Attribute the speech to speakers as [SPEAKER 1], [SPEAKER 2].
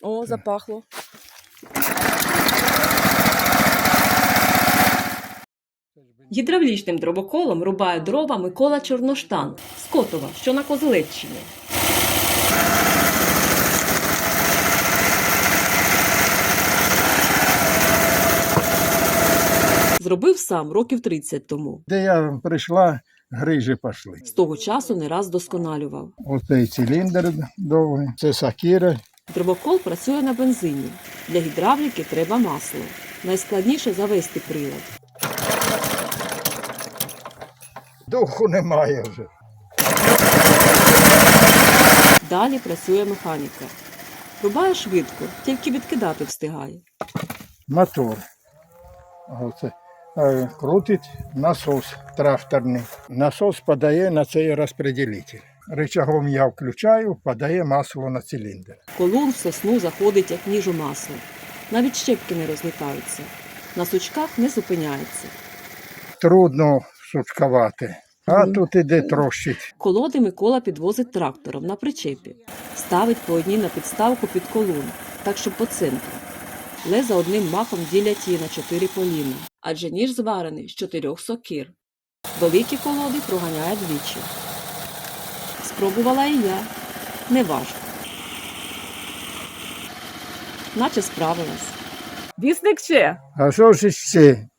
[SPEAKER 1] О, запахло. Гідравлічним дробоколом рубає дрова Микола Чорноштан з Котова, що на Козелеччині. Зробив сам років 30 тому.
[SPEAKER 2] Де я прийшла, грижі пішли.
[SPEAKER 1] З того часу не раз досконалював.
[SPEAKER 2] Оцей циліндр довгий, це сакіра.
[SPEAKER 1] Дробокол працює на бензині. Для гідравліки треба масло. Найскладніше завести прилад.
[SPEAKER 2] Духу немає вже.
[SPEAKER 1] Далі працює механіка. Рубає швидко, тільки відкидати встигає.
[SPEAKER 2] Мотор. Оце. Крутить насос тракторний. Насос подає на цей розподілитель. Рычагом я включаю, подає масло на циліндр.
[SPEAKER 1] Колун в сосну заходить, як ніж у масло. Навіть щепки не розлітаються. На сучках не зупиняється.
[SPEAKER 2] Трудно сучкувати, а тут іде трощить.
[SPEAKER 1] Колоди Микола підвозить трактором на причепі. Ставить по одній на підставку під колун, так щоб по центру. Леза одним махом ділять її на 4 поліна, адже ніж зварений з 4 сокир. Великі колоди проганяє двічі. Спробувала і я. Неважко. Наче справилась. Вісник ще.
[SPEAKER 2] А що ж ще?